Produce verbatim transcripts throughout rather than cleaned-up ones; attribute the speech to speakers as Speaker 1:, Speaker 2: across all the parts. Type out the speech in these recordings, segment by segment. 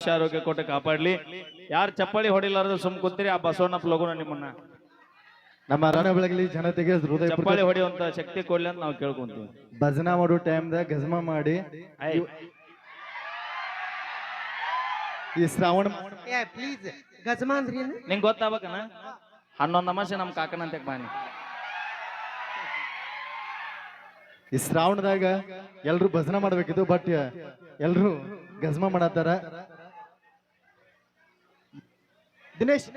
Speaker 1: ಆಯುಷ್ಯ ಆರೋಗ್ಯ ಕೊಟ್ಟು ಕಾಪಾಡ್ಲಿ. ಯಾರು ಚಪ್ಪಾಳಿ ಹೊಡಿಲಾರ್ದು ಸುಮ್ ಕೂತೀರಿ ಆ ಬಸವಣ್ಣಪ್ಪ ಲಗುನ ನಿಮ್ಮನ್ನ
Speaker 2: ನಮ್ಮ ರಣ ಬೆಳಗಲಿ ಜನತೆಗೆ ಹೃದಯ
Speaker 1: ಚಪ್ಪಾಳಿ ಹೊಡೆಯುವಂತ ಶಕ್ತಿ ಕೊಡ್ಲಿ ಅಂತ ನಾವು ಕೇಳ್ಕೊಂತೀವಿ.
Speaker 2: ಭಜನಾ ಮಾಡೋ ಟೈಮ್ದಾಗ ಗಜಮ ಮಾಡಿ ಈ ಶ್ರಾವಣ
Speaker 3: ಪ್ಲೀಸ್ ಗಜಮ ಅಂದ್ರಿ
Speaker 1: ನಿಂಗೆ ಗೊತ್ತಾಗಬೇಕನ ಹನ್ನೊಂದು ಅಮಾಸೆ ನಮ್ ಕಾಕನಂತೆ ಬಾನಿ.
Speaker 2: ಈ ಶ್ರಾವಣದಾಗ ಎಲ್ರು ಭಜನಾ ಮಾಡ್ಬೇಕಿತ್ತು ಬಟ್ ಎಲ್ರು ಗಜಮ ಮಾಡತ್ತಾರ. ದಿನೇಶ್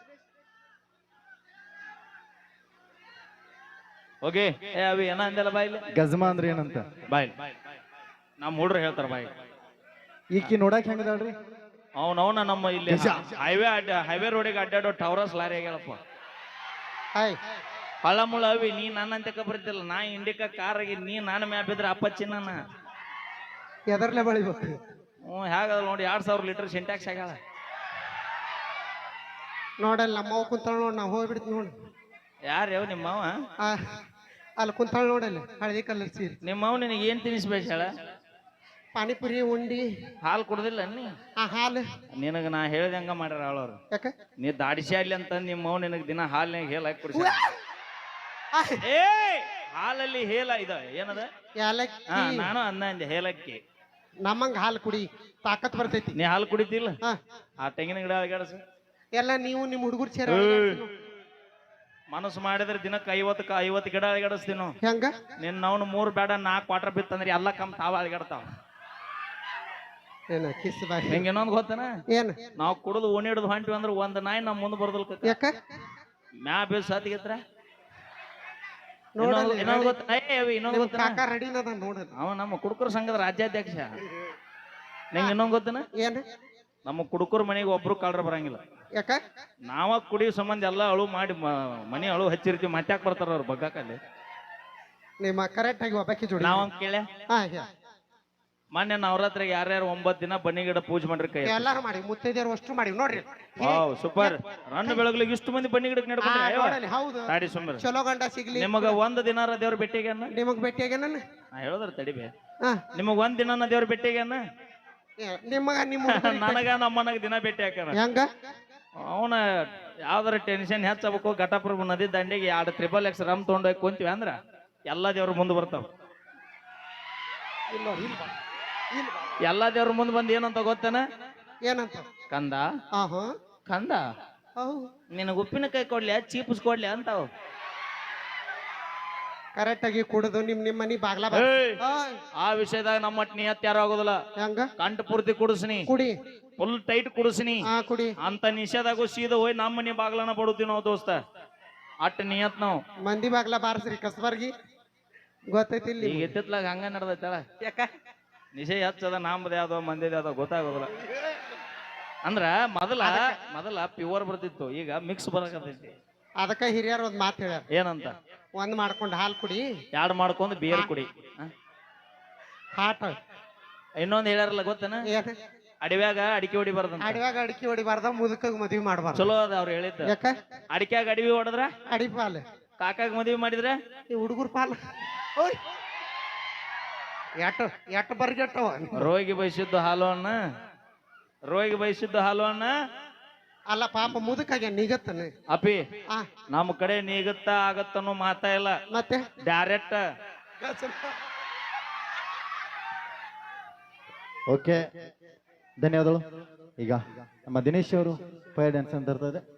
Speaker 1: ಓಕೆ ಏ ಅವಿ ಏನ ಅಂದಲ್ಲ ಬಾಯಿಲಿ
Speaker 2: ಗಜಮ ಅಂದ್ರೆ ಏನಂತ
Speaker 1: ಬಾಯ್ ನಮ್ಮ ಹುಡ್ರು ಹೇಳ್ತಾರ ಬಾಯ್.
Speaker 2: ಈಕಿ ನೋಡಕ್ ಹೆಂಗದಾಳ್ರಿ
Speaker 1: ಅವನವನ ನಮ್ಮ ಇಲ್ಲಿ ಹೈವೇ ಅಡ್ಡ ಹೈವೇ ರೋಡಿಗೆ ಅಡ್ಡಾಡೋ ಟವರಸ್ ಲಾರಿ ಆಗ್ಯಾಳಪ್ಪ. ಹಳ್ಳ ಮುಳ್ಳ ಅವಿ ನೀ ನನ್ನಂತೆ ಬರ್ತಿಲ್ಲ ನಾ ಇಂಡಿಕಾ ಕಾರ್ ಆಗಿ ನೀ ನಾನು ಮ್ಯಾ ಬಿದ್ರೆ ಅಪ್ಪಚ್ಚಿ ನನ್ನ
Speaker 3: ಎದರ್ಲೆ ಬಳಿಬೇಕು.
Speaker 1: ಹ್ಞೂ ಹೇಗದ ನೋಡಿ ಎರಡ್ ಸಾವಿರ ಲೀಟರ್ ಸಿಂಟ್ಯಾಕ್ಸ್ ಆಗ್ಯಾಳ
Speaker 3: ನೋಡಲ್ಲ ನಮ್ಮವ್ ಕುಂತಾಳ ನೋಡ್ ನಾವು ಹೋಗ್ಬಿಡ್ತೀವಿ ನೋಡಿ.
Speaker 1: ಯಾರು ಯಾವ ನಿಮ್ಮವ
Speaker 3: ಅಲ್ಲಿ ಕುಂತಾಳ ನೋಡಲ್ಲ ಹಳದಿ ಕಲರ್ ಸೀರೆ.
Speaker 1: ನಿಮ್ಮವ್ ನಿನಗೆ ಏನ್ ತಿನ್ನಿಸ್ಬೇಕು ಹೇಳ?
Speaker 3: ಪಾನಿಪುರಿ ಉಂಡಿ
Speaker 1: ಹಾಲು ಕುಡ್ದಿಲ್ಲ ನೀ?
Speaker 3: ಆ ಹಾಲು
Speaker 1: ನಿನಗ ನಾ ಹೇಳ್ದಂಗ ಮಾಡ್ಯಾರ ಅವಳವ್ರು.
Speaker 3: ಯಾಕ
Speaker 1: ನೀ ದಾಡಿಸಿ ಅಲ್ಲಿ ಅಂತ ನಿಮ್ಮವ್ ನಿನಗ್ ದಿನ ಹಾಲ್ನಾಗ ಹೇಲ್ ಹಾಕಿ ಕುಡಿಸ. ಏ ಹಾಲಲ್ಲಿ ಹೇಲ ಇದ ಏನದ?
Speaker 3: ಏಲಕ್ಕಿ.
Speaker 1: ನಾನು ಅನ್ನ ಅಂದೆ ಹೇಲಕ್ಕಿ.
Speaker 3: ನಮ್ಮಂಗ ಹಾಲು ಕುಡಿ ತಾಕತ್ ಬರ್ತೈತಿ.
Speaker 1: ನೀ ಹಾಲು ಕುಡಿತಿಲ್ಲ? ಆ ತೆಂಗಿನ ಗಿಡ ಅಳಗಾಡಸ
Speaker 3: ಎಲ್ಲ ನೀವು ನಿಮ್ ಹುಡುಗರು ಸೇರ
Speaker 1: ಮನಸ್ಸು ಮಾಡಿದ್ರೆ ದಿನಕ್ಕೆ ಐವತ್ತಕ್ಕ ಐವತ್ತು ಗಿಡ ಅಳಗಾಡಿಸ್ತೀವಿ ನಾವು.
Speaker 3: ಹೆಂಗ
Speaker 1: ನಿನ್ನ ಅವ್ನು ಮೂರ್ ಬೇಡ ನಾಲ್ಕು ವಾಟರ್ ಬಿತ್ತಂದ್ರೆ ಎಲ್ಲ ಕಮ್ ತಾವ ಅಳಗಾಡ್ತಾವ.
Speaker 3: ಏನ ಕಿಸ್ ಬಾಯ್
Speaker 1: ನಿಂಗೆ ಇನ್ನೊಂದು ಗೊತ್ತನ?
Speaker 3: ಏನ್
Speaker 1: ನಾವು ಕುಡಿದು ಓಣಿ ಹಿಡಿದು ಹೊಂಟಿವಿ ಅಂದ್ರೆ ಒಂದ್ ನಾಯಿ ನಮ್ ಮುಂದೆ ಬರ್ದಲ್
Speaker 3: ಯಾಕ
Speaker 1: ಮ್ಯಾ ಬೇಸ್ ಸಾತಿಗೆತ್ರ
Speaker 3: ನೋಡಲ್ಲ
Speaker 1: ಇನ್ನೊಂದು ಗೊತ್ತ ಇನ್ನೊಂದು ಗೊತ್ತ
Speaker 3: ಕಾಕ ರೆಡಿನ ಅದ ನೋಡಲ್ಲ.
Speaker 1: ಅವ ನಮ್ಮ ಕುಡುಕರ ಸಂಘದ ರಾಜ್ಯಾಧ್ಯಕ್ಷ. ನಿಂಗೆ ಇನ್ನೊಂದು ಗೊತ್ತನ?
Speaker 3: ಏನ್
Speaker 1: ನಮ್ಮ ಕುಡುಕರ ಮನೆಗೆ ಒಬ್ರು ಕಳ್ರ ಬರಂಗಿಲ್ಲ.
Speaker 3: ಯಾಕ
Speaker 1: ನಾವ ಕುಡಿಯೋ ಸಂಬಂಧ ಎಲ್ಲ ಅಳು ಮಾಡಿ ಮನೆ ಅಳು ಹಚ್ಚಿರ್ತೀವಿ. ಮತ್ತ್ಯಾಕ್ ಬರ್ತಾರ ಅವ್ರು ಬಗ್ಗಾಕಲ್ಲಿ?
Speaker 3: ನಿಮ್ಮ ಕರೆಕ್ಟ್ ಆಗಿ ಒಬ್ಬಾಕಿ ಜೋಡಿ
Speaker 1: ನಾವ್ ಕೇಳೆ
Speaker 3: ಹಾ
Speaker 1: ಮೊನ್ನೆ ನವರಾತ್ರಿಗೆ ಯಾರ್ಯಾರು ಒಂಬತ್ ದಿನ ಬನ್ನಿ ಗಿಡ ಪೂಜೆ ಮಾಡ್ರಿ ಕೈ
Speaker 3: ಎಲ್ಲಾರು ಮಾಡಿ ಮುತ್ತೈದೆಯರು ಅಷ್ಟು ಮಾಡಿ ನೋಡ್ರಿ.
Speaker 1: Wow super. ರನ್ನ ಬೆಳಗ್ಲಿಗೆ ಇಷ್ಟು ಮಂದಿ ಬನ್ನಿ ಗಿಡಕ್ಕೆ ನಡ್ಕೊಂಡ್ರಿ.
Speaker 3: ಹೌದು
Speaker 1: ತಾಡಿ ಸುಮ್ಮನೆ
Speaker 3: ಚಲೋ ಗಂಡ ಸಿಗ್ಲಿ.
Speaker 1: ನಿಮಗ ಒಂದ್ ದಿನಾರ ದೇವ್ರ ಭೇಟಿಗೆ
Speaker 3: ನಿಮಗ್ ಭೇಟಿಯಾಗ ನಾನು
Speaker 1: ನಾ ಹೇಳೋದ್ರ ತಡಿಬೆ. ನಿಮಗ್ ಒಂದ್ ದಿನ ದೇವ್ರ ಭೇಟಿಗೆ
Speaker 3: ನಿಮಗ ನಿಮ್ಮ
Speaker 1: ನನಗ ನಮ್ಮನಗ ದಿನ ಭೇಟಿ ಹಾಕ್ಯಾನ.
Speaker 3: ಹೆಂಗ
Speaker 1: ಅವನ ಯಾವ್ದಾರ ಟೆನ್ಷನ್ ಹೆಚ್ಚಬೇಕು ಘಟಪ್ರಭು ನದಿ ದಂಡೆಗೆ ಎರಡು ತ್ರಿಬಲ್ ಎಕ್ಸ್ ರಮ್ ತಗೊಂಡೋಗಿ ಕುಂತೀವಿ ಅಂದ್ರ ಎಲ್ಲಾ ದೇವ್ರ ಮುಂದೆ ಬರ್ತಾವ. ಎಲ್ಲಾ ದೇವ್ರ ಮುಂದೆ ಬಂದ್ ಏನಂತ ಗೊತ್ತೇನ?
Speaker 3: ಏನಂತ?
Speaker 1: ಕಂದ
Speaker 3: ಆಹಾ
Speaker 1: ಕಂದ ನಿನಗ ಉಪ್ಪಿನಕಾಯಿ ಕೊಡ್ಲಿ ಚೀಪ್ಸ್ ಕೊಡ್ಲಿ ಅಂತಾವ.
Speaker 3: ಕರೆಕ್ಟ್ ಆಗಿ ಕುಡಿದು ನಿಮ್ ನಿಮ್ ಮನಿ ಬಾಗ್ಲ
Speaker 1: ಆ ವಿಷಯದಾಗ ನಮ್ಮ ನಿಯತ್ ಯಾರು ಆಗೋದಿಲ್ಲ.
Speaker 3: ಹೆಂಗ
Speaker 1: ಕಂಠ ಪೂರ್ತಿ ಕುಡಿಸ್ನಿ
Speaker 3: ಕುಡಿ
Speaker 1: ಫುಲ್ ಟೈಟ್ ಕುಡಿಸ್ನಿ
Speaker 3: ಕುಡಿ
Speaker 1: ಅಂತ ನಿಷೇಧಾಗು ಸೀದಾ ಹೋಗಿ ನಮ್ಮ ಮನಿ ಬಾಗ್ಲನ ಬಡುತ್ತೀವಿ ನಾವು ದೋಸ್ತ. ಅಟ್ ನಿಯತ್ ನಾವು
Speaker 3: ಮಂದಿ ಬಾಗ್ಲ ಬಾರಸ್ರಿ ಕಸ್ಬರ್ಗಿ ಗೊತ್ತೈತಿ. ಇಲ್ಲಿ
Speaker 1: ಈಗ ಎತ್ತಿತ್ಲಾಗ ಹಂಗ ನಡ್ದೈತಳ.
Speaker 3: ಯಾಕ
Speaker 1: ನಿಷೇಧ ಹಚ್ಚದ ನಾಮದ ಯಾವ್ದೋ ಮಂದಿದ ಯಾವ್ದೋ ಗೊತ್ತಾಗೋದಿಲ್ಲ. ಅಂದ್ರ ಮೊದಲ ಮೊದಲ ಪ್ಯೂರ್ ಬರ್ತಿತ್ತು, ಈಗ ಮಿಕ್ಸ್ ಬರಕತೈತಿ.
Speaker 3: ಅದಕ್ಕ ಹಿರಿಯರ್ ಒಂದ್ ಮಾತು ಹೇಳ್ಯಾರ.
Speaker 1: ಏನಂತ?
Speaker 3: ಒಂದ್ ಮಾಡ್ಕೊಂಡ್ ಹಾಲ್ ಕುಡಿ,
Speaker 1: ಎರಡ್ ಮಾಡ್ಕೊಂಡ್ ಬೇರ್ ಕುಡಿ.
Speaker 3: ಹಾಟ್
Speaker 1: ಇನ್ನೊಂದ್ ಹೇಳ್ಯಾರಲ್ಲ ಗೊತ್ತನ? ಅಡವ್ಯಾಗ ಅಡಿಕೆ ಹೊಡಿಬಾರ್ದ.
Speaker 3: ಅಡವ್ಯಾಗ ಅಡಿಕೆ ಹೊಡಿಬಾರ್ದ, ಮುದುಕಾಗ ಮದ್ವಿ ಮಾಡ್ಬಾರ್ದು.
Speaker 1: ಚಲೋ ಅದ ಅವ್ರು ಹೇಳಿದ್ದ.
Speaker 3: ಯಾಕ?
Speaker 1: ಅಡಿಕೆಯಾಗ ಅಡವಿ ಹೊಡದ್ರ
Speaker 3: ಅಡಿ ಪಾಲ್,
Speaker 1: ಕಾಕಾಗ ಮದ್ವಿ ಮಾಡಿದ್ರೆ
Speaker 3: ಈ ಹುಡುಗರು ಪಾಲ್. ಎಟ್ ಎಟ್ ಬರ್ಗೆಟ್ಟವ.
Speaker 1: ರೋಗಿ ಬಯಸಿದ್ದು ಹಾಲು ಅಣ್ಣ, ರೋಗಿ ಬಯಸಿದ್ದು ಹಾಲು ಅಣ್ಣ.
Speaker 3: ಅಲ್ಲ ಪಾಪ ಮುದುಕಾಗೆ ನಿಗತ್ತನ
Speaker 1: ಅಪಿ ನಮ್ಮ ಕಡೆ ನೀಗತ್ತ ಆಗತ್ತನ್ನೋ ಮಾತಾ ಇಲ್ಲ.
Speaker 3: ಮತ್ತೆ
Speaker 1: ಡೈರೆಕ್ಟ್.
Speaker 2: ಓಕೆ ಧನ್ಯವಾದಗಳು. ಈಗ ನಮ್ಮ ದಿನೇಶ್ ಅವರು ಫೈರ್ ಡ್ಯಾನ್ಸ್ ಅಂತ ಇರ್ತದೆ.